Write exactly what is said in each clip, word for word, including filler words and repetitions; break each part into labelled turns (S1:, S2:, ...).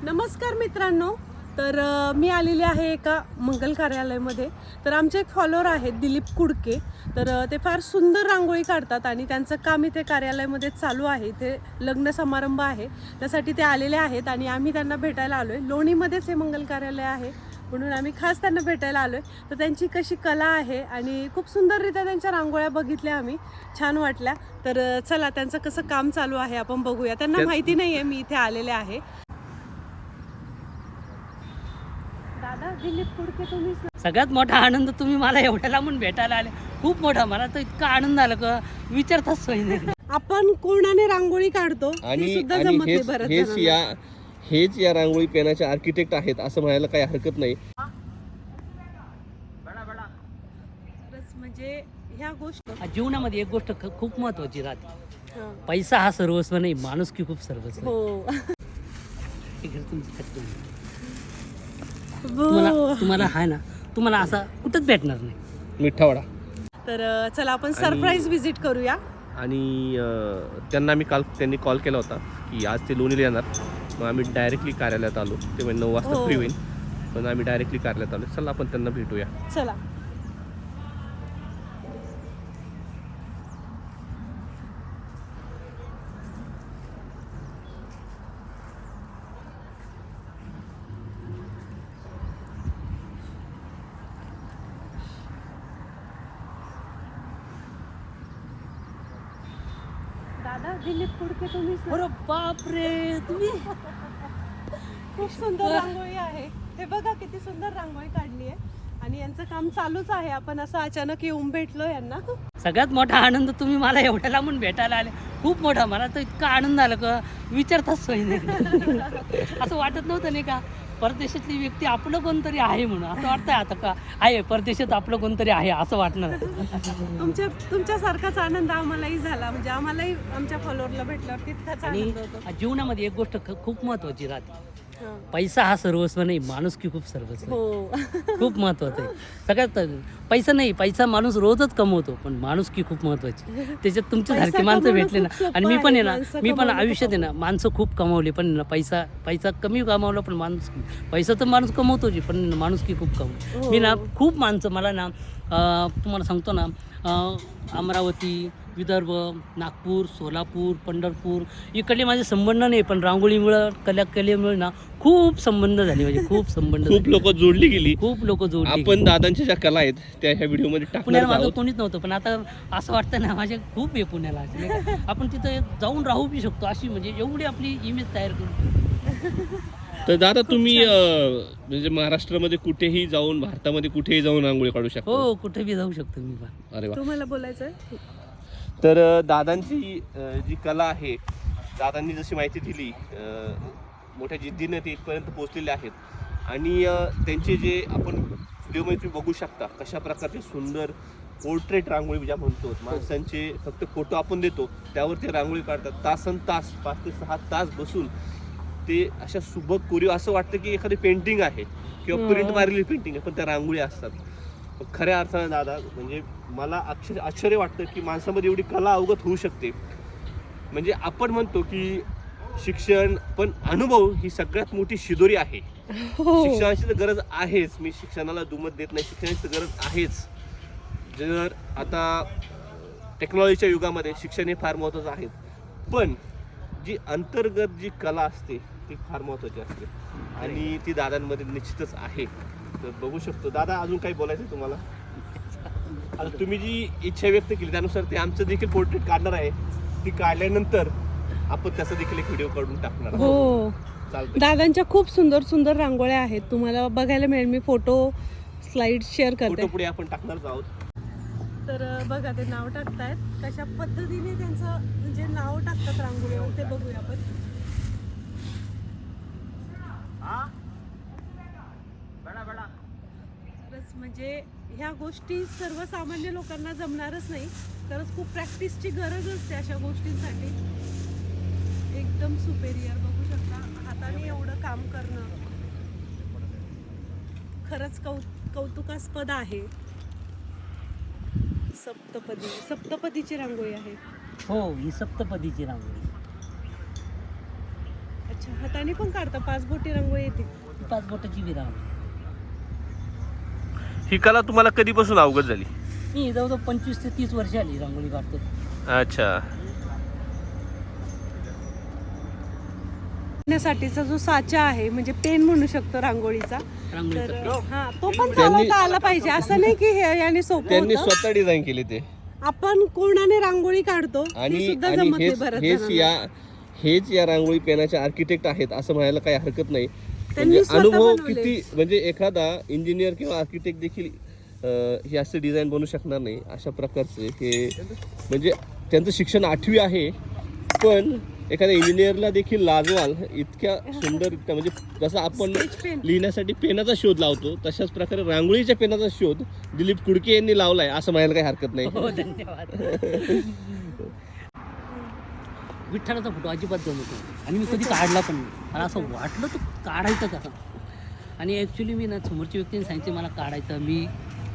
S1: नमस्कार मित्रांनो, तर अ, मी आलेले आहे एका मंगल कार्यालयामध्ये. तर आमचे एक फॉलोअर आहेत दिलीप कुडके. तर अ, ते फार सुंदर रांगोळी काढतात आणि त्यांचं काम इथे कार्यालयामध्ये चालू आहे. इथे लग्न समारंभ आहे, त्यासाठी ते आलेले आहेत आणि आम्ही त्यांना भेटायला आलो आहे. लोणीमध्येच हे मंगल कार्यालय आहे, म्हणून आम्ही खास त्यांना भेटायला आलो आहे. तर त्यांची कशी कला आहे आणि खूप सुंदररित्या त्यांच्या रांगोळ्या बघितल्या आम्ही, छान वाटल्या. तर अ, चला त्यांचं कसं काम चालू आहे आपण बघूया. त्यांना माहिती नाही आहे मी इथे आलेले आहे. दादा, दिलीप कुडके तुम्ही
S2: सगळ्यात मोठा आनंद तुम्ही मला एवढ्या लांबून भेटायला आले, खूप मोठा. मला तर इतका आनंद झाला का विचारताच सोय नाही.
S1: आपण कोणाने रांगोळी काढतो
S3: आणि
S1: हे सुद्धा
S3: आणि
S1: जमत नाही
S3: हेच
S1: बरं
S3: हेच या हेच या रांगोळी पेनाचे आर्किटेक्ट आहेत असं म्हणायला काही हरकत नाही.
S1: म्हणजे ह्या गोष्टी
S2: जीवनामध्ये एक गोष्ट ख- खूप महत्वाची राहते.
S1: हा.
S2: पैसा हा सर्वस्व नाही, माणुसकी खूप सर्वस्व आहे.
S1: हो
S2: हे घर तुमचं खर्च नाही. तुम्हाला
S1: हो.
S2: तुम्हाला आहे ना, तुम्हाला असा कुठंच भेटणार नाही.
S3: मिठावडा
S1: तर अ, चला आपण सरप्राईज व्हिजिट करूया.
S3: आणि अं, त्यांना मी काल त्यांनी कॉल केला होता की आज ते लोणीला येणार. मग आम्ही डायरेक्टली कार्यालयात आलो. ते म्हणजे नऊ वाजता
S1: हो.
S3: फ्री होईल, पण आम्ही डायरेक्टली कार्यालयात आलो. चला आपण त्यांना भेटूया.
S1: चला. दादा, दिलीप कुडके तुम्ही
S2: अरे बापरे, तुम्ही
S1: खूप सुंदर रांगोळी आहे. हे बघा किती सुंदर रांगोळी काढली आहे आणि यांचं काम चालूच आहे. आपण असं अचानक येऊन भेटलो यांना.
S2: सगळ्यात मोठा आनंद तुम्ही मला एवढ्या लांबून भेटायला आले, खूप मोठा. मला तर इतका आनंद झाला का विचारताच सोय नाही. असं वाटत नव्हतं नाही का परदेशातली व्यक्ती आपलं कोणतरी आहे म्हणून. असं वाटतंय आता का आहे परदेशात आपलं कोणतरी आहे असं वाटणार.
S1: तुमच्या तुमच्यासारखाच आनंद आम्हालाही झाला. म्हणजे आम्हालाही आमच्या फॉलोअरला भेटल्यावर तितकाच
S2: आणि
S1: आनंद होतो.
S2: जीवनामध्ये एक गोष्ट ख- खूप महत्वाची राहते.
S1: हा.
S2: पैसा हा सर्वस्व नाही, माणुसकी खूप सर्वस्व आहे.
S1: हो
S2: खूप महत्वाचं आहे. सगळ्यात पैसा नाही, पैसा माणूस रोजच कमवतो, पण माणुसकी खूप महत्वाची. त्याच्यात तुमच्यासारखे
S1: पैसा
S2: माणसं
S1: कमवणं
S2: भेटले ना.
S1: खूप सोपं
S2: आणि मी पण आहे ना,
S1: आहे. माणसं
S2: मी पण
S1: कमवणं
S2: आयुष्यात आहे ना माणसं खूप कमावली, पण ना पैसा पैसा कमी कमावला, पण माणूस पैसा तर माणूस कमवतोच, पण माणुसकी खूप कमवतो.
S1: हो.
S2: मी ना खूप माणसं मला ना अं, तुम्हाला सांगतो ना, अं, अमरावती, विदर्भ, नागपूर, सोलापूर, पंढरपूर इकडले माझे संबंध नाही, पण रांगोळीमुळं कला कलेमुळे ना खूप संबंध झाले. म्हणजे खूप संबंध
S3: खूप
S2: झाले.
S3: लोक जोडली गेली.
S2: खूप लोक जोडली.
S3: आपण दादांच्या ज्या कला आहेत त्या ह्या व्हिडिओमध्ये
S2: पुण्याला
S3: टाकणार
S2: माझं
S3: आहोत.
S2: कोणीच नव्हतं, पण आता असं वाटतं ना माझे खूप आहे पुण्याला. नाही का? आपण तिथं जाऊन राहू बी शकतो, अशी म्हणजे एवढी आपली इमेज तयार करू.
S3: तर दादा तुम्ही अं, म्हणजे महाराष्ट्रामध्ये कुठेही जाऊन, भारतामध्ये कुठेही जाऊन रांगोळी काढू शकता.
S2: हो, कुठे बी जाऊ शकतो मी पण.
S3: अरे वा.
S1: तुम्हाला बोलायचंय?
S3: तर अं, दादांची अं, जी कला आहे, दादांनी जशी माहिती दिली, अं, मोठ्या जिद्दीने ते इथपर्यंत पोहोचलेले आहेत. आणि अं, त्यांचे जे आपण व्हिडिओमध्ये तुम्ही बघू शकता कशा प्रकारचे सुंदर पोर्ट्रेट रांगोळी ज्या म्हणतो, माणसांचे फक्त फोटो आपण देतो त्यावर ते रांगोळी काढतात. तासन तास, पाच ते सहा तास बसून ते अशा सुबक कोरीव, असं वाटतं की एखादी पेंटिंग आहे किंवा प्रिंट मारलेली पेंटिंग आहे, पण त्या रांगोळी असतात. खऱ्या अर्थाने दादा, म्हणजे मला अक्षर आश्चर्य वाटतं की माणसामध्ये एवढी कला अवगत होऊ शकते. म्हणजे आपण म्हणतो की शिक्षण, पण अनुभव ही सगळ्यात मोठी शिदोरी आहे. शिक्षणाची तर गरज आहेच, मी शिक्षणाला दुमत देत नाही, शिक्षणाची तर गरज आहेच. जर आता टेक्नॉलॉजीच्या युगामध्ये शिक्षण हे फार महत्त्वाचं आहे, पण जी अंतर्गत जी कला असते ती फार महत्त्वाची असते आणि ती दादांमध्ये निश्चितच आहे. तर बघू शकतो. दादा, अजून काही बोलायचं आहे तुम्हाला? आता तुम्ही जी इच्छा व्यक्त केली त्यानुसार ते आमचं देखील पोर्ट्रेट काढणार आहे. ती काढल्यानंतर आपण त्याचा देखील एक व्हिडिओ काढून टाकणार आहोत.
S1: हो,
S3: चालतं.
S1: दादांच्या खूप सुंदर सुंदर रांगोळ्या आहेत, तुम्हाला बघायला मिळेल. मी फोटो स्लाइड शेअर
S3: फोटो
S1: करते.
S3: पुढे आपण टाकणारच आहोत.
S1: तर अ, बघा ते नाव टाकतायत, कशा पद्धतीने त्यांचं म्हणजे नाव टाकतात रांगोळीवर ते बघूया आपण. खरंच म्हणजे ह्या गोष्टी सर्वसामान्य लोकांना जमणारच नाही. खरंच खूप प्रॅक्टिसची गरज असते अशा गोष्टींसाठी. एकदम सुपेरियर बघू शकता, हाताने एवढं काम करणं खरंच कौ कौतुकास्पद आहे. सप्तपदी सप्तपदीची रांगोळी आहे.
S2: हो, ही सप्तपदीची रांगोळी.
S1: अच्छा, अच्छा, हाताने पण काढता? पाच बोटी रांगोळी येते?
S2: पाच बोटाची बी रांगोळी.
S3: ही कला तुम्हाला कधीपासून अवगत झाली?
S2: मी जवळजवळ पंचवीस ते तीस वर्ष आली रांगोळी काढतो.
S3: अच्छा.
S1: साठीचा जो साचा आहे म्हणजे पेन म्हणू शकतो रांगोळीचा,
S2: रांगोळीचा
S1: तर हा तो पण
S3: त्यांनी-
S1: चालवता आला पाहिजे. असं नाही की हे याने सोपं
S3: त्यांनी
S1: होतं.
S3: स्वतः डिझाईन केले ते.
S1: आपण कोणाने रांगोळी काढतो ती
S3: आणि
S1: सुद्धा
S3: आणि
S1: जमत नाही
S3: हेच
S1: बरं
S3: हेच या हेच या रांगोळी पेनाचे आर्किटेक्ट आहेत असं म्हणायला काही हरकत नाही. म्हणजे
S1: स्वतः
S3: अनुभव
S1: बनवले.
S3: किती, म्हणजे एखादा इंजिनियर किंवा आर्किटेक्ट देखील अं, हे असं डिझाईन बनवू शकणार नाही अशा प्रकारचे हे. म्हणजे त्यांचं शिक्षण आठवी आहे, पण एखाद्या इंजिनियरला देखील लाजवाल इतक्या सुंदर, इतक्या म्हणजे जसं आपण
S1: पेन.
S3: लिहिण्यासाठी पेनाचा शोध लावतो तशाच प्रकारे रांगोळीच्या पेनाचा शोध दिलीप कुडके यांनी लावलाय असं म्हणायला काही हरकत नाही.
S2: हो, धन्यवाद. विठ्ठलाचा फोटो अजिबात जमतो आणि मी कधी काढला पण नाही. मला असं वाटलं तर काढायचं कसं. आणि ॲक्च्युली मी ना समोरच्या व्यक्तीने सांगितले मला काढायचं, मी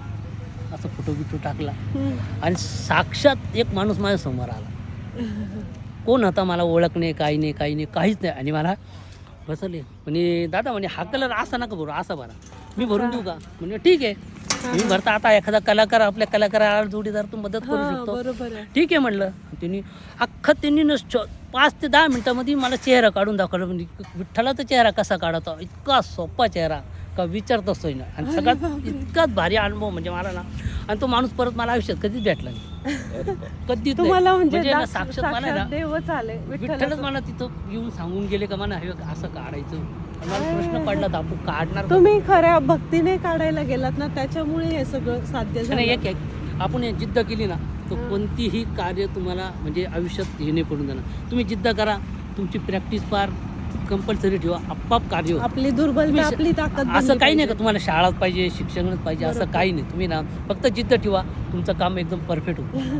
S2: असं फोटो बिटो टाकला आणि साक्षात एक माणूस माझ्या समोर आला. कोण होता मला ओळख नाही, काही नाही, काही नाही, काहीच नाही. आणि मला बसवले म्हणे दादा म्हणे हा कलर असा नका भरू, असा भरा. मी भरून देऊ का? म्हणजे ठीक आहे. मी भरता आता एखादा कलाकार आपल्या कलाकाराला जोडीदार तू मदत करू
S1: हा,
S2: शकतो.
S1: बरोबर आहे.
S2: ठीक आहे म्हणलं. त्यांनी अख्खा त्यांनी न च- पाच ते दहा मिनटामध्ये मला चेहरा काढून दाखवला. म्हणजे विठ्ठलाचा चेहरा कसा काढायचा, इतका सोपा चेहरा का विचारतच ना. आणि सगळ्यात इतकाच भारी अनुभव म्हणजे मला ना. आणि तो माणूस परत मला आयुष्यात कधीच भेटला नाही, कधीच नाही.
S1: तुम्हाला म्हणजे
S2: म्हणजे ना
S1: दास-
S2: साक्षात मला आहे
S1: साक्षात
S2: ना
S1: देवच आले
S2: विठ्ठलच
S1: विठ्ठलाचं.
S2: मला तिथं येऊन सांगून गेले का मला हे असं काढायचं. आणि मला प्रश्न पडला तर आपण काढणार कसं?
S1: तुम्ही खऱ्या भक्तीने काढायला गेलात ना, त्याच्यामुळे हे सगळं साध्य झालं.
S2: नाही, एक एक आपण हे जिद्द केली ना तर कोणतीही कार्य तुम्हाला म्हणजे आयुष्यात हे नाही पडून देणार. तुम्ही जिद्द करा, तुमची प्रॅक्टिस फार कंपल्सरी ठेवा, आपाप कार्य होतं.
S1: आपली दुर्बलता
S2: तुम्ही
S1: आपली ताकद
S2: असं
S1: बनली
S2: काही नाही का
S1: पाहिजे.
S2: तुम्हाला शाळाच पाहिजे, शिक्षणच पाहिजे, असं
S1: बरोबर.
S2: काही नाही. तुम्ही ना फक्त जिद्द ठेवा, तुमचं काम एकदम परफेक्ट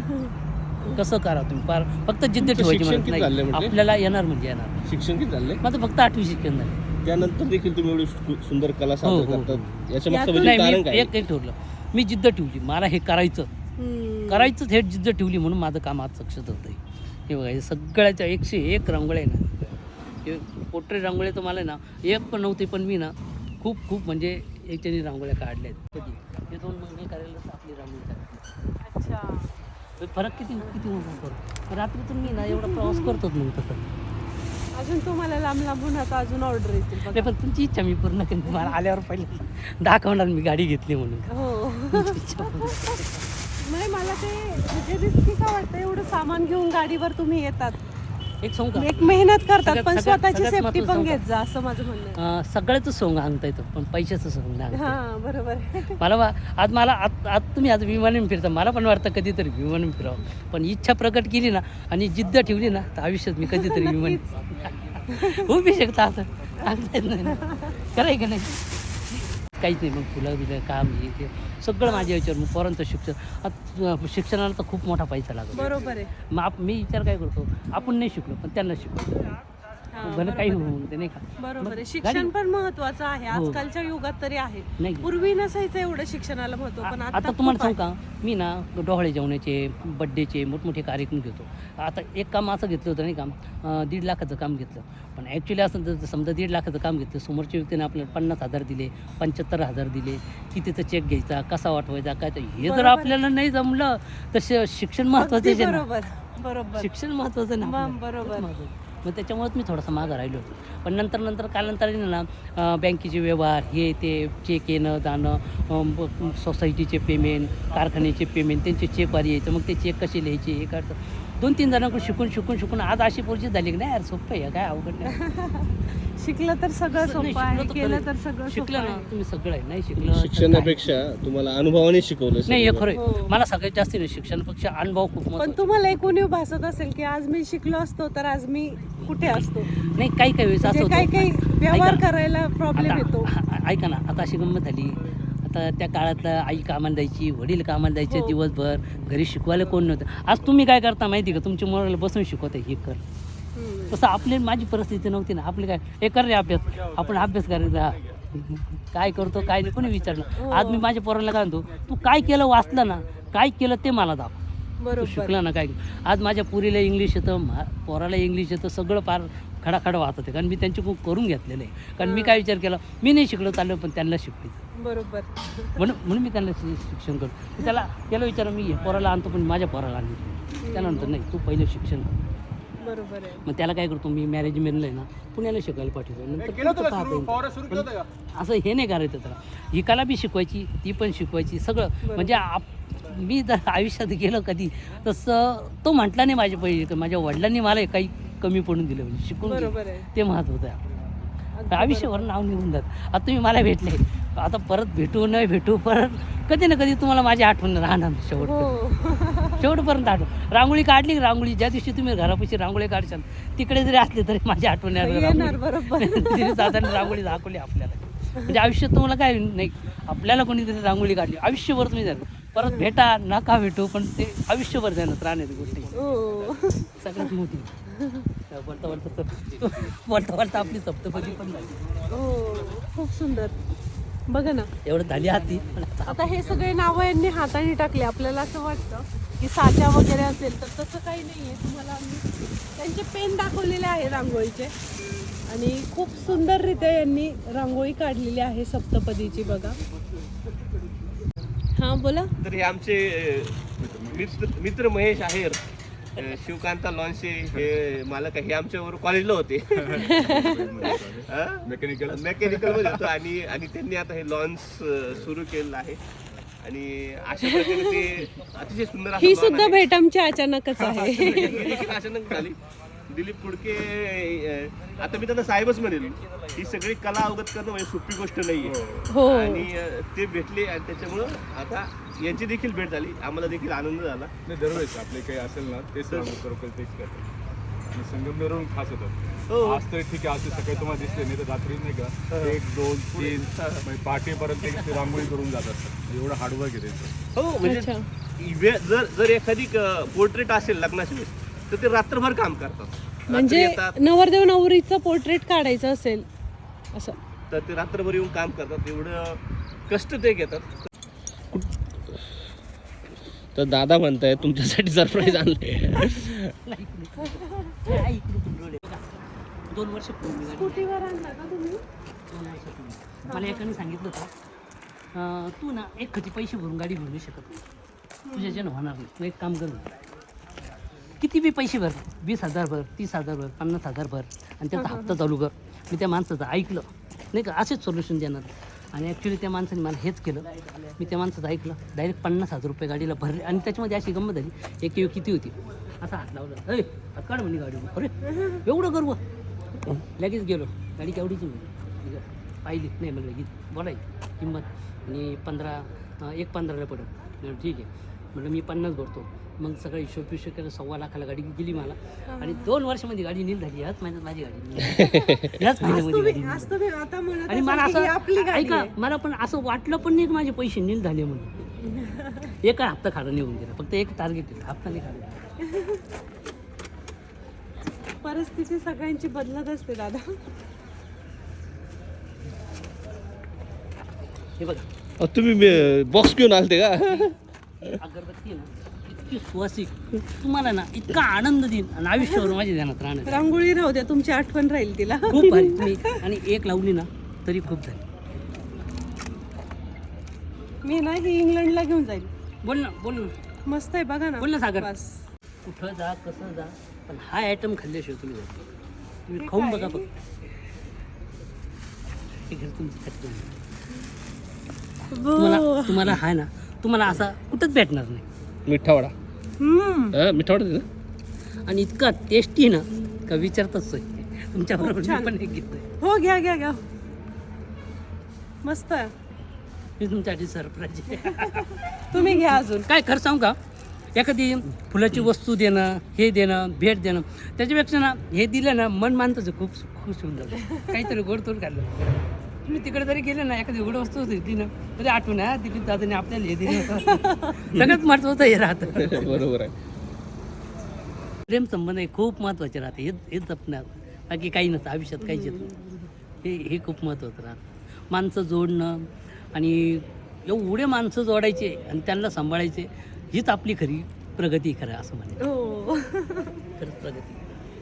S2: होतं. कसं करा तुम्ही फार फक्त जिद्द
S3: तुमचं
S2: ठेवायची
S3: शिक्षण
S2: म्हणत
S3: किती झालंय
S2: नाही.
S3: म्हणजे?
S2: आपल्याला येणार म्हणजे येणार.
S3: शिक्षण किती झालंय?
S2: माझं फक्त आठवी शिक्षण झालं.
S3: त्यानंतर देखील तुम्ही एवढी सु- सुंदर कला
S2: हो,
S3: सादर
S2: हो, हो.
S3: करतात याच्या मागचं
S1: यातून-
S3: म्हणजे
S2: नाही,
S3: कारण
S2: मी
S3: काय?
S2: एक एक ठरलं, मी जिद्द ठेवली, मला हे करायचं
S1: हम्म.
S2: करायचंच, हे जिद्द ठेवली म्हणून माझं काम आज सक्सेस होतं आहे. हे बघा, हे सगळ्याच्या एकशे एक रांगोळ्या आहे ना, हे पोट्रेट रांगोळ्या तर मला ना एक पण नव्हती, पण मी ना खूप खूप म्हणजे याच्याने रांगोळ्या काढल्या आहेत. कधी हे दोन महिने करायला तर आपली रांगोळी काढली.
S1: अच्छा,
S2: फरक किती किती मोठा फरक. रात्रीतून मी ना एवढा प्रवास करतोच नव्हतं तसं.
S1: अजून तुम्हाला लांब लांबून आता अजून ऑर्डर येतील बघा.
S2: नाही, पण तुमची इच्छा मी पूर्ण करेन. मला आल्यावर पहिले दाखवणार मी गाडी घेतली म्हणून.
S1: हो.
S2: तुमची इच्छा पूर्ण.
S1: नाही, मला ते म्हणजे रिस्की का वाटतं, एवढं सामान घेऊन गाडीवर तुम्ही येतात,
S2: एक सांगू का,
S1: एक मेहनत करतात,
S2: सगळ्यात-
S1: पण
S2: सगळ्यात-
S1: स्वतःची
S2: सगळ्यात
S1: सेफ्टी
S2: महत्त्वाचं
S1: पण
S2: सांगू
S1: घेत जा, असं माझं म्हणणं आहे.
S2: अं, सगळ्याच सोंग आणता येतं, पण पैशाचं सोंग नाही आणता येत.
S1: हा, बरोबर आहे.
S2: मला वा- आज मला आज आज तुम्ही आज विमानाने फिरता, मला पण वाटतं कधीतरी विमानाने फिरावं. पण इच्छा प्रकट केली ना आणि जिद्द ठेवली ना तर आयुष्यात मी कधीतरी विमान उभी शकता. असं सांगता येत नाही. कराय का नाही, काहीच नाही. मग फुलं बिलं काम हे ते सगळं माझ्या याच्यावर. मग पोरांचं शिक्षण, आता शिक्षणाला तर खूप मोठा पैसा लागतो.
S1: बरोबर आहे.
S2: मग आप मी विचार काय करतो, आपण नाही शिकलो पण त्यांना शिकलो,
S1: हा,
S2: भलं
S1: बरोबर
S2: काही
S1: आहे.
S2: होऊन ते नाही का.
S1: बरोबर आहे.
S2: मग
S1: शिक्षण
S2: गाडी-
S1: पण महत्वाचं आहे
S2: हो.
S1: आजकालच्या युगात तरी आहे.
S2: नाही
S1: पूर्वी नसायचं एवढं शिक्षणाला महत्व, पण
S2: आता
S1: आता
S2: तुम्हाला
S1: खूप
S2: सांगू का, मी ना डोहाळे जेवणाचे, बड्डेचे मोठमोठे कार्यक्रम घेतो. आता एक काम असं घेतलं होतं नाही का, अं, दीड लाखाचं काम घेतलं. पण ॲक्च्युली असं जर समजा दीड लाखाचं काम घेतलं, समोरच्या व्यक्तीने आपल्याला पन्नास हजार दिले, पंच्याहत्तर हजार दिले, कितीचा चेक घ्यायचा, कसा वाटवायचा, काय तर हे जर
S1: बरोबर.
S2: आपल्याला नाही जमलं तर शि- शिक्षण महत्त्वाचं
S1: अगदी
S2: आहे ना.
S1: बरोबर बरोबर.
S2: शिक्षण महत्त्वाचं ना
S1: मग
S2: आपल्याला.
S1: बरोबर.
S2: खूप महत्त्वाचं. मग त्याच्यामुळेच मी थोडासा मागं राहिलो होतो. पण नंतर नंतर कालांतराने ना अं, बँकेचे व्यवहार हे ते, चेक येणं जाणं, अं, ब- सोसायटीचे पेमेंट, कारखान्याचे पेमेंट, त्यांचे चेकवारी यायचं, मग ते चेक कसे लिहायचे हे करतं. दोन तीन जणांकडून शिकून शिकून शिकून आज अशी परिस्थिती झाली की नाही यार, सोपं आहे काय अवघड नाही.
S1: शिकलं तर सगळं
S2: नाही,
S1: सोपं आहे,
S2: शिकलो तर
S1: केलं
S2: खरं.
S1: तर सगळं सोपं
S2: शिकलं ना
S1: आहे.
S2: तुम्ही सगळं आहे, नाही शिकलं तर काय.
S3: शिक्षणापेक्षा तुम्हाला अनुभवाने शिकवलं
S2: नाही हे
S3: सगळं.
S2: खरं आहे.
S1: हो.
S2: मला सगळ्यात जास्त नाही शिक्षणापेक्षा अनुभव खूप
S1: पण
S2: महत्त्वाचा.
S1: तुम्हाला एक उणीव भासत असेल की आज मी शिकलो असतो तर आज मी कुठे असतो,
S2: नाही काही काही वेळेस असं
S1: म्हणजे काही
S2: होतं.
S1: काही व्यवहार
S2: ऐका.
S1: करायला प्रॉब्लेम येतो.
S2: आता ऐका ना, आता अशी गंमत झाली. आता त्या काळातलं आई कामाला जायची, वडील कामाला जायचे
S1: हो.
S2: दिवसभर, घरी शिकवायला कोण नव्हतं. आज तुम्ही काय करता माहिती का, तुमच्या मुलाला बसून शिकवता हे कर.
S1: हम्म.
S2: तसं आपली माझी परिस्थिती नव्हती ना. आपले काय हे कर रे अभ्यास, आपण अभ्यास करायचा, काय करतो काय नाही कोणी विचारलं.
S1: हो.
S2: आज मी माझ्या पोराला काय म्हणतो, तू काय केलं वाचलं ना, काय केलं ते मला दाखव. तू
S1: बरोबर.
S2: शिकला ना काय. आज माझ्या पुरीला इंग्लिश येतं, मा पोराला इंग्लिश येतं, सगळं फार खडाखडा वाहत होते, कारण मी त्यांच्याकडून करून घेतलेलं आहे. कारण मी काय विचार केला, मी नाही शिकलो चाललो, पण त्यांना शिकवायचं,
S1: बरोबर.
S2: म्हणून म्हणून मी त्यांना शि- शिक्षण करतो. मी त्याला त्याला विचारलं, मी हे पोराला आणतो पण माझ्या पोराला आणतो. त्यानंतर नाही, तू पहिलं शिक्षण कर.
S1: बरोबर आहे.
S2: मग त्याला काय करतो मी, मॅनेजमेंटला आहे ना पुण्याला शिकायला पाठवतो. नंतर पुढचं पाहता येईल. पण असं हे नाही करायचं त्याला, ही कला बी शिकवायची, ती पण शिकवायची, सगळं. म्हणजे आप मी जर आयुष्यात गेलं कधी तसं तो म्हटला नाही माझ्या पहिले, माझ्या वडिलांनी मला काही कमी पडून दिलं, म्हणजे शिकून
S1: बरोबर आहे.
S2: ते महत्त्वाचं आहे. आयुष्यावर नाव निघून जात. आता तुम्ही मला भेटले, आता परत भेटू नाही भेटू, परत कधी ना कधी तुम्हाला माझी आठवण राहणार शेवट
S1: हो.
S2: शेवटपर्यंत आठवण. रांगोळी काढली, रांगोळी ज्या दिवशी तुम्ही घरापाशी रांगोळी काढशाल तिकडे जरी असले तरी माझी आठवण
S1: येणार, बरोबर.
S2: तिने साधारण रांगोळी दाखवली आपल्याला. म्हणजे आयुष्यात तुम्हाला काय नाही, आपल्याला कोणीतरी रांगोळी काढली आयुष्यभर तुम्ही जाणार, परत भेटा नका भेटू, पण ते आयुष्यभर जाणार राहण्याची गोष्टी
S1: हो.
S2: सगळ्यात मोठी. बोलता बोलता बोलता बोलता आपली सप्तपदी पण झाली.
S1: हो, खूप सुंदर. बघा ना,
S2: एवढं झाली हाती.
S1: आता हे सगळे नावं यांनी हाताने टाकले. आपल्याला असं वाटतं की साचा वगैरे असेल, तर तसं काही नाही आहे. तुम्हाला आम्ही त्यांचे पेन दाखवलेले आहे रांगोळीचे, आणि खूप सुंदररित्या यांनी रांगोळी काढलेली आहे सप्तपदीची. बघा. हां, बोला.
S3: तर हे आमचे अ, मित्र मित्र महेश आहेर, अ, शिवकांता लॉन्चे हे मालक आहे. हे आमच्याबरोबर कॉलेजला होते, मेकॅनिकल मेकॅनिकल मध्ये होतो, आणि आणि त्यांनी आता हे लॉन्च सुरू केलेलं आहे. आणि अशा प्रकारे ते अतिशय सुंदर असं
S1: ही
S3: lawn
S1: सुद्धा
S3: आहे.
S1: भेट आमची अचानकच आहे.
S3: ही देखील अचानक झाली. दिलीप कुडके, अ, आता मी त्यांना साहेबच म्हणेल. ही सगळी कला अवगत करणं म्हणजे सोपी गोष्ट नाहीये.
S1: हो.
S3: आणि अ, ते भेटले, आणि त्याच्यामुळं आता यांची देखील भेट झाली, आम्हाला देखील आनंद झाला.
S4: नाही, दरवेळेस आपले काही असेल ना तेच खरोखर तेच करतात, आणि संगमनेरवरून खास होतात.
S3: हो.
S4: आज तर ठीक आहे, आज ते सकाळी तुम्हाला दिसले, नाही तर रात्री नाही का एक दोन तीन म्हणजे पहाटेपर्यंत एक ते रांगोळी करून जातात. एवढं हार्डवर्क आहे त्याचं.
S3: हो, म्हणजे
S1: अच्छा.
S3: वेळ जर जर एखादी पोर्ट्रेट असेल लग्नाची वेळ, तर ते रात्रभर काम करतात. रात्री
S1: म्हणजे
S3: येतात,
S1: नवरदेव नवरीचं पोर्ट्रेट काढायचं असेल असं,
S3: तर ते रात्रभर येऊन काम करतात. एवढं कष्ट ते घेतात. तर दादा म्हणताय तुमच्यासाठी सरप्राईज आणले.
S2: दोन वर्ष पूर्वी गाडी-
S1: स्कूटीवर आणला का तुम्ही?
S2: दोन वर्षापूर्वी मला एकाने सांगितलं होतं, अं, तू ना एक खची पैसे भरून गाडी घेऊ नाही शकत नाही, तुझ्याच्यानं होणार नाही. तू एक काम कर, किती बी पैसे भर, वीस हजार भर, तीस हजार भर, पन्नास हजार भर, आणि त्याचा हप्ता चालू कर. मी त्या माणसाचं ऐकलं नाही का, असेच सोल्युशन देणार. आणि ॲक्च्युली त्या माणसाने मला हेच केलं. मी त्या माणसाचं ऐकलं, डायरेक्ट पन्नास हजार रुपये गाडीला भरले. आणि त्याच्यामध्ये अशी गंमत झाली, एक किंवा किती होती, असा हात लावला, अरे हात काढ म्हणे गाडी. अरे एवढं गर्व. लगेच गेलो, गाडी केवढीची म्हणे, पाहिली नाही मला लगेच बोलायची किंमत, आणि पंधरा एक पंधराला पडत. म्हणलं ठीक आहे, म्हटलं मी पन्नास भरतो. मग सगळं हिशोब पिशोब केलं, सव्वा लाखाला गाडी गेली मला. आणि दोन वर्षामध्ये गाडी नील झाली. ह्याच महिन्यात माझी गाडी नील झाली. ह्याच महिन्यामध्ये गाडी नील
S1: आज
S2: झाली.
S1: तुम्ही आता म्हणत
S2: आणि मला
S1: असाल की ही आपली
S2: असं
S1: गाडी
S2: ऐका,
S1: आहे.
S2: मला पण असं वाटलं पण नाही की माझे पैसे नील झाले म्हणून. एका हप्ता खाडा निघून गेला, फक्त एक टार्गेट आहे, हप्ता नाही खाडा.
S1: परिस्थिती सगळ्यांची बदलत असते दादा.
S2: हे बघा,
S3: अ, तुम्ही बॉक्स घेऊन आलते का?
S2: ही अगरबत्ती आहे ना, इतकी सुवासिक, तुम्हाला ना इतका आनंद देईन, आणि आयुष्यावर माझ्या ध्यानात राहणार.
S1: रांगोळी राहू द्या, तुमची आठवण राहील तिला.
S2: खूप भारी तुम्ही, आणि एक लावली ना तरी खूप झाली.
S1: मी ना ही इंग्लंडला घेऊन जाईल.
S2: बोल ना, बोल ना,
S1: मस्त आहे, बघा ना.
S2: बोल ना सागर.
S1: बस.
S2: कुठं जा, कसं जा, पण हा आयटम खाल्ल्याशिवाय तुम्ही जाता. तुम्ही
S1: हे
S2: खाऊन
S1: काय?
S2: बघा फक्त. हे घर तुमचं तुम्हाला
S1: वो.
S2: तुम्हाला हा ना, तुम्हाला असा कुठंच भेटणार नाही.
S3: मिठावडा,
S1: हम्म.
S3: मिठावडा देतो.
S2: आणि इतका टेस्टी ना का विचारताच सोय. तुमच्या बरोबर
S1: छान.
S2: मी पण एक घेतोय.
S1: हो, घ्या घ्या घ्या. मस्त आहे.
S2: मी तुमच्यासाठी सरप्राईज आहे.
S1: तुम्ही घ्या अजून.
S2: काय खरं सांगू का, एखादी फुलाची वस्तू देणं, हे देणं, भेट देणं, त्याच्यापेक्षा ना हे दिलं ना मन मानतच खूप खुश होऊन जातं. काहीतरी गोडतोड खाल्लं. तुम्ही तिकडे जरी गेले ना, एखादी गोड वस्तू दिली ना तरी आठवण आहे, तिथे दादाने आपल्याला हे दिलं होतं. सगळ्यात महत्त्वाचं हे राहतं.
S3: बरोबर आहे.
S2: प्रेम संबंध हे खूप महत्त्वाचे राहते. हे हेच जपणार, बाकी काही नसतं आयुष्यात, काहीच येत नाही. हे हे खूप महत्त्वाचं राहतं. माणसं जोडणं, आणि एवढे माणसं जोडायचे आणि त्यांना सांभाळायचे, हीच आपली खरी प्रगती खरं असं म्हणे.
S1: हो.
S2: खरंच प्रगती.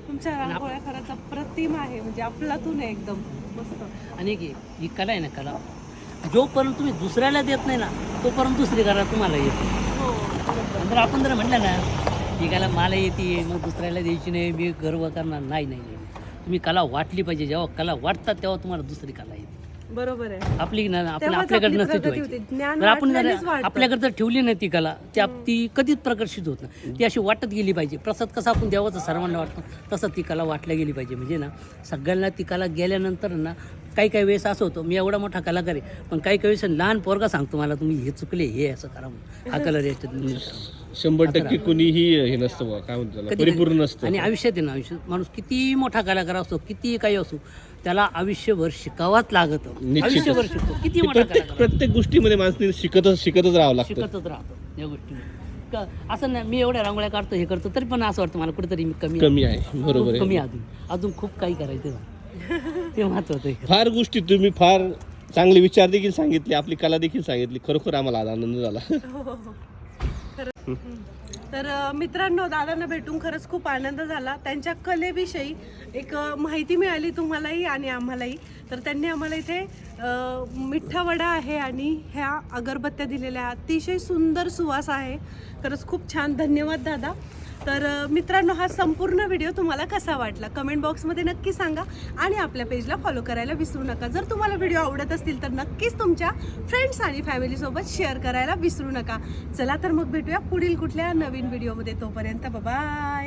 S1: तुमच्या रांगोळ्या खरंच अप्रतिम आहे, म्हणजे अफलातून आहे एकदम मस्त.
S2: आणि एक ही कला आहे ना, कला जोपर्यंत तुम्ही दुसऱ्याला देत नाही ना तोपर्यंत दुसरी कला तुम्हाला येते.
S1: हो
S2: जर आपण जर म्हटलं ना ही कला मला येते मग दुसऱ्याला द्यायची नाही, मी गर्व करणार नाही, नाही नाही तुम्ही कला वाटली पाहिजे. जेव्हा कला वाटतात तेव्हा तुम्हाला दुसरी कला येते.
S1: बरोबर आहे.
S2: आपली ना आपण
S1: तेव्हाच
S2: आपल्याकडे
S1: आपली
S2: नसते
S1: प्रगती
S2: ठेवायची.
S1: होते. ज्ञान
S2: जर आपण जर
S1: वाटल्यानेच वाढतं.
S2: आपल्याकडे जर ठेवली नाही ती कला ती आप- ती कधीच प्रकर्षित होत नाही. ती अशी वाटत गेली पाहिजे. प्रसाद कसा आपण देवाचं सर्वांना वाटतो तसं ती कला वाटल्या गेली पाहिजे. म्हणजे ना सगळ्यांना ती कला गेल्यानंतर ना काही काही वेळेस असं होतं, मी एवढा मोठा कलाकार आहे पण काही काही वेळेस लहान पोरगा सांगतो मला तुम्ही हे चुकले, हे असं करा म्हणून, हा कलर याच्यात
S3: शंभर टक्के कुणीही हे नसतं बुवा, काय म्हणतो त्याला,
S2: कधी-
S3: परिपूर्ण नसतं.
S2: आणि आयुष्यात आहे ना, आयुष्यात माणूस किती मोठा कलाकार असतो, किती काही असो, त्याला आयुष्यभर शिकावाच लागतं.
S3: निश्चितच.
S2: आयुष्यभर शिकतो किती
S3: ते
S2: मोठा
S3: प्रत्येक
S2: कलाकार
S3: प्रत्येक गोष्टीमध्ये माणसाने शिकतच शिकतच राहावं लागतं.
S2: शिकतच राहतो या गोष्टी. असं नाही मी एवढ्या रांगोळ्या काढतो हे करतो तरी पण असं वाटतं मला कुठेतरी मी कमी
S3: कमी आहे, बरोबर
S2: खूप कमी
S3: आहे.
S2: अजून अजून खूप काही करायचं आहे. ते महत्वाचं आहे.
S3: फार गोष्टी तुम्ही फार चांगले विचार देखील सांगितले, आपली कला देखील सांगितली. खरोखर आम्हाला आज आनंद झाला.
S1: हो, हो, हो. खरंच. तर अ, मित्रांनो, दादांना भेटून खरंच खूप आनंद झाला. त्यांच्या कलेविषयी एक अ, माहिती मिळाली तुम्हालाही आणि आम्हालाही. तर त्यांनी आम्हाला इथे अ, मिठा वडा आहे आणि ह्या अगरबत्त्या दिलेल्या आहेत. अतिशय सुंदर सुवास आहे. खरंच खूप छान. धन्यवाद दादा. तर अ, मित्रांनो, हा संपूर्ण व्हिडिओ तुम्हाला कसा वाटला कमेंट बॉक्समध्ये नक्की सांगा आणि आपल्या पेजला फॉलो करायला विसरू नका. जर तुम्हाला व्हिडिओ आवडत असतील तर नक्कीच तुमच्या फ्रेंड्स आणि फॅमिलीसोबत शेअर करायला विसरू नका. चला तर मग भेटूया पुढील कुठल्या नवीन व्हिडिओमध्ये. तोपर्यंत बाय.